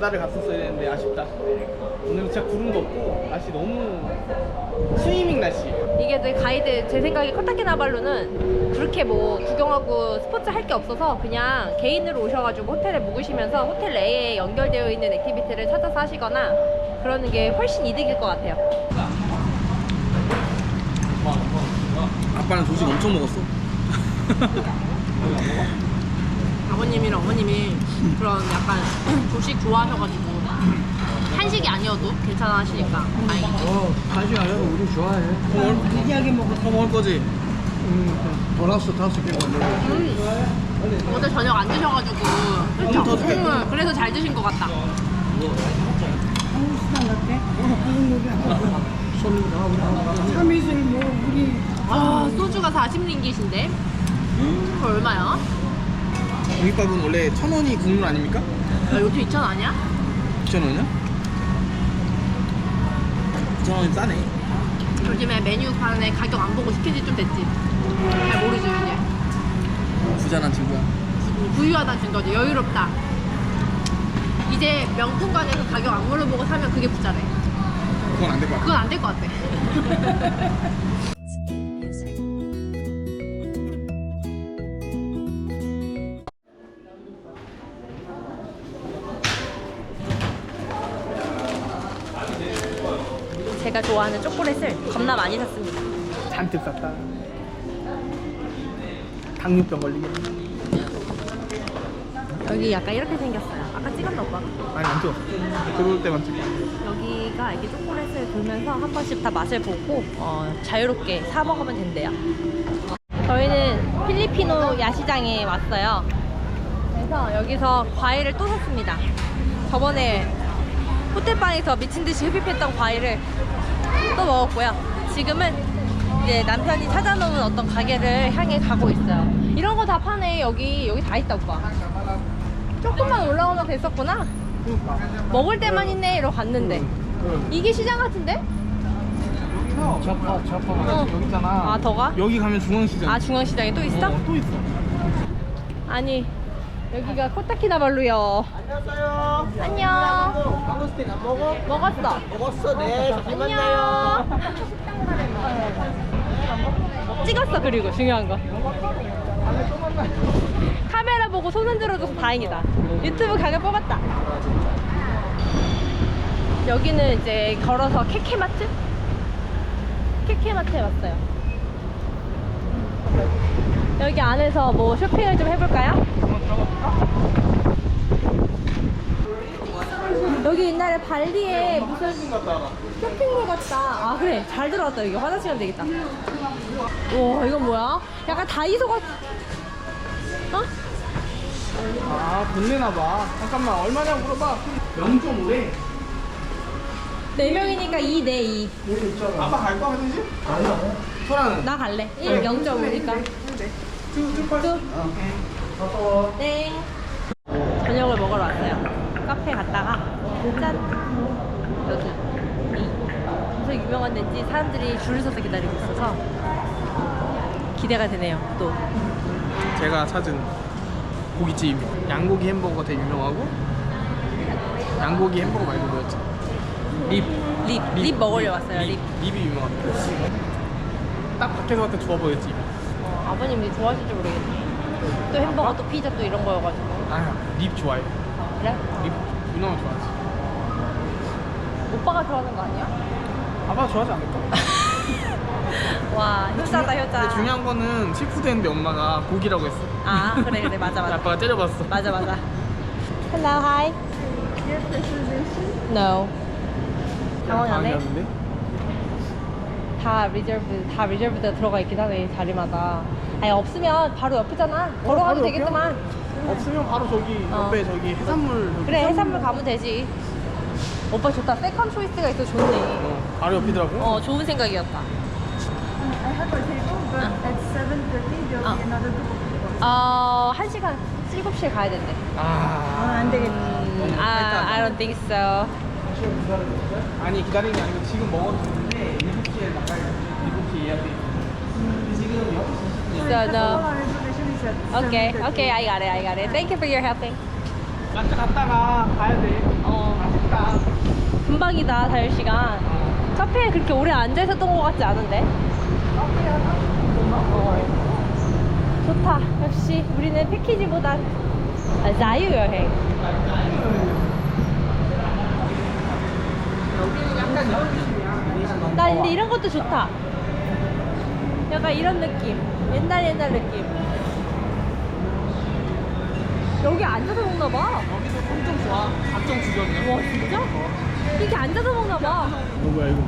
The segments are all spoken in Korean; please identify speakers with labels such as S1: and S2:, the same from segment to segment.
S1: 바다를 갔었어야 되는데 아쉽다. 오늘 진짜 구름도 없고 날씨 너무 스위밍 날씨.
S2: 이게 가이드 제 생각에 코타키나발루는 그렇게 뭐 구경하고 스포츠 할 게 없어서 그냥 개인으로 오셔가지고 호텔에 묵으시면서 호텔 내에 연결되어 있는 액티비티를 찾아서 하시거나 그러는 게 훨씬 이득일 것 같아요.
S1: 아빠는 조식 엄청 먹었어.
S2: 아버님이랑 어머님이 그런 약간 조식 좋아하셔가지고 한식이 아니어도 괜찮아 하시니까 다행이죠.
S3: 한식 아니어도 우리 좋아해.
S1: 특이하게 더 먹을 거지?
S3: 보너스 5개 걸려.
S2: 어제 저녁 안 드셔가지고 그렇죠?
S1: 더 줄게.
S2: 그래서 잘 드신 것 같다.
S4: 한국 수당 같아? 한국 요리 참이슬 뭐 우리
S2: 아 소주가 40링깃인데 그거 얼마야?
S1: 공깃밥은 원래 1,000원이 국물 아닙니까?
S2: 야, 요즘 2,000원 아니야?
S1: 2,000원이야? 2,000원이 싸네.
S2: 요즘에 메뉴판에 가격 안 보고 시킨 지 좀 됐지. 잘 모르지 이제.
S1: 부자란 친구야.
S2: 부유하다는 증거지. 여유롭다. 이제 명품관에서 가격 안 물어보고 사면 그게 부자래.
S1: 그건 안 될 것 같아.
S2: 그건 안 될 것 같아. 제가 좋아하는 초콜릿을 겁나 많이 샀습니다.
S1: 잔뜩 쌌다. 당뇨병 걸리겠네.
S2: 여기 약간 이렇게 생겼어요. 아까 찍었나 오빠?
S1: 아니 안 찍었어. 들어올 때만 찍어.
S2: 여기가 이렇게 초콜릿을 돌면서 한 번씩 다 맛을 보고 자유롭게 사 먹으면 된대요. 저희는 필리피노 야시장에 왔어요. 그래서 여기서 과일을 또 샀습니다. 저번에 호텔방에서 미친듯이 흡입했던 과일을 또 먹었고요. 지금은 이제 남편이 찾아놓은 어떤 가게를 향해 가고 있어요. 이런 거 다 파네. 여기 다 있다 오빠. 조금만 올라오면 됐었구나.
S1: 그러니까.
S2: 먹을 때만 있네 이러고 갔는데 이게 시장 같은데?
S1: 저파
S2: 어.
S1: 여기 있잖아.
S2: 아, 더 가?
S1: 여기 가면 중앙시장.
S2: 아 중앙시장에 또 있어?
S1: 또 있어.
S2: 아니 여기가 코타키나발루요.
S1: 안녕하세요.
S2: 안녕.
S1: 망고스틴 안 먹어?
S2: 먹었어.
S1: 먹었어. 네. 잘
S2: 안녕.
S1: 만나요.
S2: 찍었어. 그리고 중요한 거 카메라 보고 손 흔들어줘서 다행이다. 유튜브 각을 뽑았다. 여기는 이제 걸어서 케케마트에 왔어요. 여기 안에서 뭐 쇼핑을 좀 해볼까요? 여기 옛날에 발리에 무슨 쇼핑몰 같다. 아 그래 잘 들어갔다. 여기 화장실 가면 되겠다. 와 이건 뭐야? 약간 다이소 같... 어?
S1: 아, 돈 내나봐. 잠깐만, 얼마냐고 물어봐. 0.5래.
S2: 4명이니까 2 대 2.
S1: 아빠 갈 거야, 화장실? 아니야. 소라는?
S2: 나 갈래. 1 0.5니까. 땡. 저녁을 먹으러 왔어요. 카페 갔다가 짠. 여기 무슨 유명한 데인지 사람들이 줄을 서서 기다리고 있어서 기대가 되네요. 또
S1: 제가 찾은 고깃집입니다. 양고기 햄버거가 되게 유명하고 양고기 햄버거 말고 뭐였지?
S2: 립 먹으려 왔어요. 립.
S1: 립이 유명합니다. 딱 밖에서 봤을 때 좋아 보였지.
S2: 아버님이 좋아하실지 모르겠네. 또 햄버거 또 피자 또 이런 거여가지고.
S1: 아니야, 립 좋아해.
S2: 그래?
S1: 립 유명한 거 좋아하지.
S2: 오빠가 좋아하는 거 아니야?
S1: 아빠 좋아하지 않을까?
S2: 와 효자다 효자.
S1: 근데 중요한 거는 시푸드 했는데 엄마가 고기라고 했어.
S2: 아 그래 맞아.
S1: 아빠가 때려봤어.
S2: 맞아. Hello, hi. No. 당황하네.
S1: 당황했는데?
S2: 다 리저브가 들어가 있긴 하네 자리마다. 아니 없으면 바로 옆이잖아. 걸어가면
S1: 바로
S2: 되겠구만.
S1: 없으면 바로 저기 옆에 저기 해산물 저기
S2: 그래 해산물 가면 되지. 오빠 좋다. 세컨 초이스가 있어 좋네.
S1: 바로 옆이더라고.
S2: 좋은 생각이었다.
S4: I have a table but at 7:30 there'll be another group of people.
S2: 1시간 7시에 가야 된대.
S4: 안 되겠다.
S2: I don't think so.
S1: 아니 기다리는 게 아니고 지금 먹었는데 7시에 나가야 돼. 7시에 예약돼 있어. 지금 6시 20분.
S2: So no.
S4: Our reservation is at
S2: Okay,
S4: 7:30.
S2: okay, I got it. Thank you for your helping.
S1: 마트 갔다가 가야 돼. 금방이다.
S2: 금방이다 자유시간. 카페에 그렇게 오래 앉아 있었던 것 같지 않은데. 좋다. 역시 우리는 패키지보단 자유여행.
S1: 여기는 약간 이런 느낌이야.
S2: 나 근데 이런 것도 좋다. 약간 이런 느낌. 옛날 느낌. 여기 앉아서 먹나봐.
S1: 여기도 엄청 좋아. 각종 주변이야.
S2: 와 진짜? 이렇게 앉아서 먹나봐.
S1: 뭐야 이거?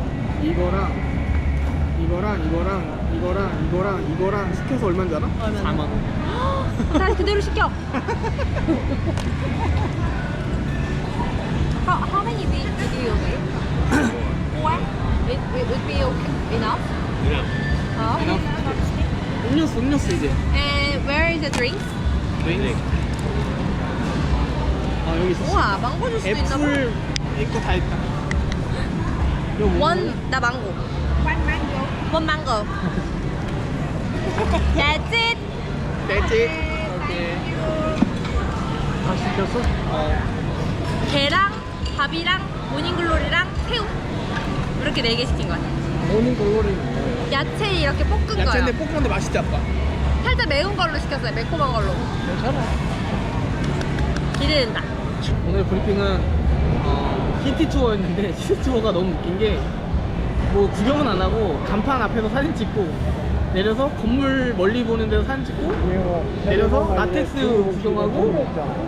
S1: 이거랑 시켜서 얼마인지 알아?
S2: 얼마나?
S1: 4만 원.
S2: 다시 그대로 시켜. How many beans do you make? Four? It would be okay. Enough? Oh.
S1: 음료수 이제.
S2: And where is the drinks?
S1: 네. 아 여기 있어.
S2: 우와 망고 주스도 있나 봐.
S1: 애플 있고 다 있다.
S2: One the mango. One mango. That's it.
S1: 됐지? 오케이.
S3: 다 시켰어?
S2: 게랑 밥이랑 모닝글로리랑 새우 이렇게 4개 시킨 거 같아.
S3: 모닝글로리.
S2: 야채 이렇게 볶은 거요.
S1: 야채인데 볶음인데 맛있지 아빠?
S2: 살짝 매운 걸로 시켰어요. 매콤한 걸로.
S3: 괜찮아.
S2: 기대된다.
S1: 오늘 브리핑은 시티 투어였는데 시티 투어가 너무 웃긴 게 뭐 구경은 안 하고 간판 앞에서 사진 찍고 내려서 건물 멀리 보는 데서 사진 찍고 내려서 라텍스 구경하고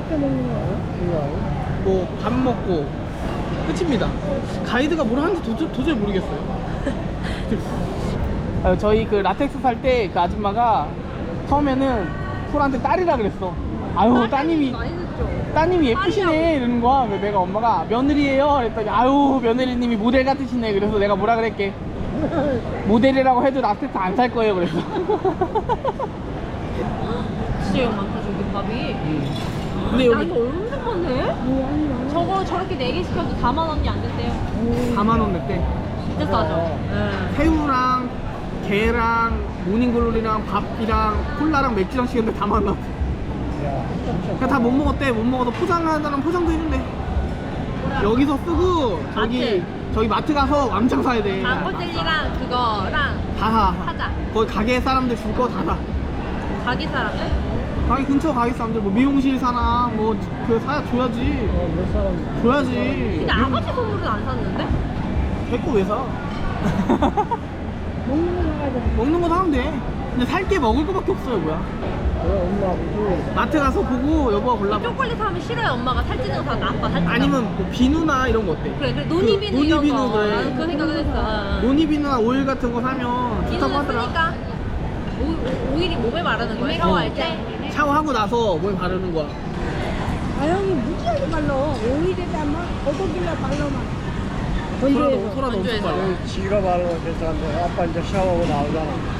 S1: 뭐 밥 먹고 끝입니다. 가이드가 뭘 하는지 도저히 모르겠어요. 저희 그 라텍스 살 때 그 아줌마가 처음에는 쿨한테 딸이라 그랬어. 아유 따님이 예쁘시네 이러는 거야. 그래서 내가 엄마가 며느리예요 그랬더니 아유 며느리님이 모델 같으시네. 그래서 내가 뭐라 그랬게, 모델이라고 해도 라텍스 안 살 거예요 그랬어.
S2: 진짜 영 많다 저기 밥이.
S1: 근데
S2: 야
S1: 여기
S2: 이거 엄청 많네. 저거 저렇게 4개 시켜도 4만 원이 안 된대요.
S1: 4만 원 냈대.
S2: 진짜 싸죠.
S1: 새우랑 게랑 모닝글로리랑 밥이랑 콜라랑 맥주랑 시켰는데 다 만나. 그냥 다 못 먹었대. 못 먹어서 포장하다는 포장도 해준대. 여기서 쓰고 저기 마트 가서 왕창 사야 돼.
S2: 망고 젤리랑 그거랑
S1: 다 사.
S2: 사자.
S1: 거기 가게 사람들 줄 거 다 사.
S2: 가게 사람들?
S1: 가게 근처 가게 사람들 뭐 미용실 사나 뭐 그 줘야지.
S3: 몇 사람?
S1: 줘야지.
S2: 근데 아가씨 선물은 안 샀는데?
S1: 걔거 왜 사? 먹는 거 사면 돼. 근데 살 게 먹을 거밖에 없어요 뭐야.
S3: 그래, 엄마, 아버지.
S1: 마트 가서 보고 여보가 골라봐.
S2: 초콜릿 사면 싫어요. 엄마가 살찌는 거 사는데 아빠 살찌는
S1: 아니면 뭐 비누나 이런 거 어때?
S2: 그래 노니비누 이런
S1: 노니비누
S2: 거.
S1: 그래.
S2: 나는 그 생각을 했어.
S1: 노니비누나 오일 같은 거 사면 좋다고
S2: 비누는
S1: 하더라.
S2: 쓰니까 오일이 몸에 바르는 거야. 샤워할 때.
S1: 샤워하고 나서 몸에 바르는 거야.
S5: 아영이 무지하게 발라. 오일에다 막 거독이나 발라만.
S1: 소라도 엄청
S2: 건조해서.
S1: 빨라.
S3: 지가 바르면 괜찮은데 아빠 이제 샤워하고 나오잖아.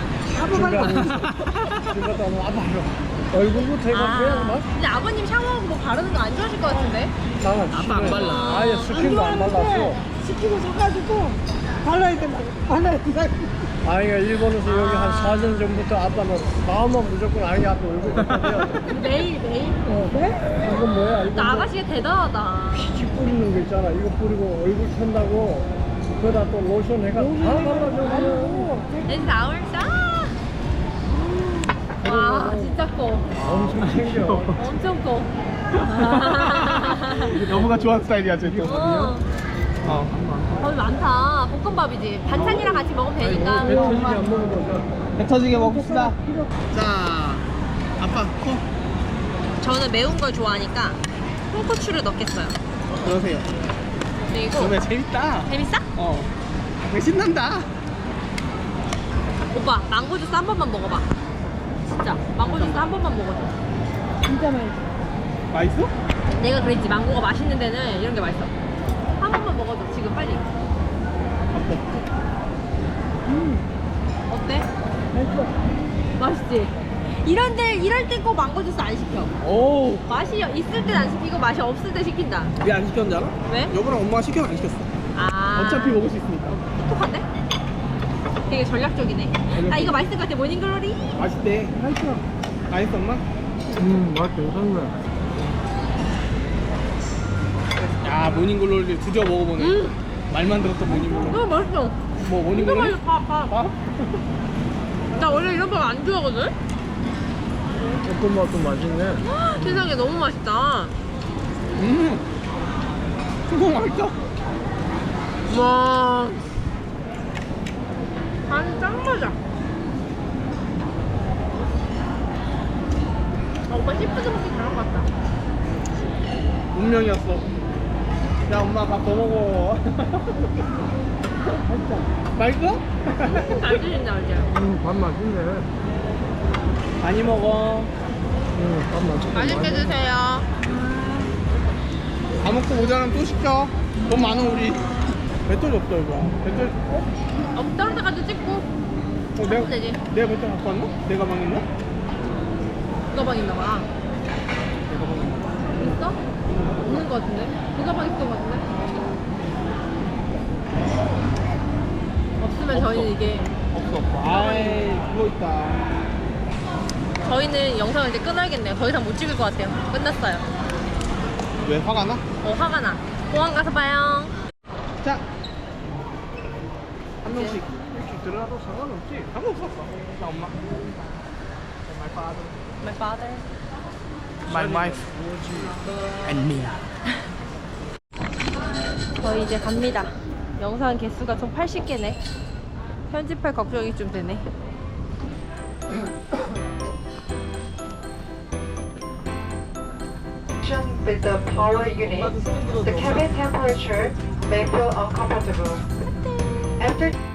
S3: 중간에 아빠 얼굴부터 해가
S2: 아,
S3: 그냥 막
S2: 근데 아버님 샤워하고 뭐 바르는 거 안 좋아하실 것 같은데?
S3: 나는
S1: 아빠 안 발라.
S3: 아예 스킨도 안 발랐어.
S5: 시키고 사가지고 발라야 된다. 발라야 된다.
S3: 아이가 일본에서 여기 한 4년 전부터 아빠는 마음은 무조건 아이 앞에 얼굴 갖다 대야 돼.
S2: 매일.
S5: 그래?
S3: 이건 뭐야? 이건
S2: 나 아가씨가 대단하다.
S3: 피지 뿌리는 거 있잖아. 이거 뿌리고 얼굴 턴다고 그거다 또 로션 해가 다 발라줘.
S2: 내 나올 싸. 와 진짜 커.
S3: 엄청 챙겨.
S2: 엄청 커.
S1: 여보가 좋아하는 스타일이야 쟤.
S2: 어. 거의 많다. 볶음밥이지. 반찬이랑 같이 먹으면 되니까.
S3: 배 터지게 안 먹어도
S1: 배 터지게 먹읍시다. 자, 아빠 코.
S2: 저는 매운 걸 좋아하니까 홍고추를 넣겠어요.
S1: 그러세요.
S2: 그리고
S1: 너무 재밌다.
S2: 재밌어?
S1: 되게 신난다.
S2: 오빠 망고 주스 한 번만 먹어봐. 진짜 망고 주스 한 번만 먹어줘.
S5: 진짜 맛있어.
S1: 맛있어?
S2: 내가 그랬지 망고가 맛있는 데는 이런 게 맛있어. 한 번만 먹어줘 지금 빨리. 어때?
S5: 맛있어.
S2: 맛있지? 이럴 때 꼭 망고 주스 안 시켜.
S1: 오.
S2: 맛이 있을 땐 안 시키고 맛이 없을 때 시킨다.
S1: 왜 안 시켰는지 알아?
S2: 왜?
S1: 여보랑 엄마가 시켜서 안 시켰어.
S2: 아
S1: 어차피 먹을 수 있으니까.
S2: 똑똑한데? 되게 전략적이네. 아 이거 맛있을 것 같아. 모닝글로리.
S1: 맛있대.
S5: 맛있어.
S1: 맛있어 엄마?
S3: 맛있어. 산 거야.
S1: 야 모닝글로리 드디어 먹어보네. 말만 들었던 모닝글로리.
S2: 너무 맛있어.
S1: 뭐
S2: 이거
S1: 모닝글로리?
S2: 맛있어. 봐.
S1: 밥?
S2: 나 원래 이런 밥 안 좋아하거든?
S3: 볶음밥도 맛있네.
S2: 세상에 너무 맛있다.
S1: 이거 맛있다.
S2: 와. 간이 짱 맞아. 오빠 시푸드 먹기 잘한 것 같다.
S1: 운명이었어. 야 엄마 밥 더 먹어. 맛있어?
S2: 잘 드신다, 이제.
S3: 밥 맛있네.
S1: 많이 먹어.
S3: 밥 맛있네.
S2: 맛있게 드세요.
S1: 다 먹고 모자라면 또 시켜. 돈 많아 우리. 배터리 없다 이거. 배터리
S2: 다른 데까지 찍고
S1: 내가
S2: 하면 되지.
S1: 내가 배터리 갖고 왔나? 내 가방 있나?
S2: 그 가방 있나 봐.
S1: 내 가방 있나?
S2: 있어? 없는 것 같은데? 그 가방 있을 것 같은데? 없으면
S1: 없어.
S2: 저희는 이게
S1: 없어. 아이 그거 있다.
S2: 저희는 영상을 이제 끊어야겠네요. 더 이상 못 찍을 것 같아요. 끝났어요.
S1: 왜 화가 나?
S2: 화가 나. 공항 가서 봐요.
S1: 자. 한 명씩 이렇게 들어가도 상관없지. 상관없었어. 자 엄마. My father.
S2: My father.
S1: My wife. And me.
S2: 저희 이제 갑니다. 영상 개수가 총 80개네. 편집할 걱정이 좀 되네.
S6: With the power unit, the cabin temperature may feel uncomfortable. After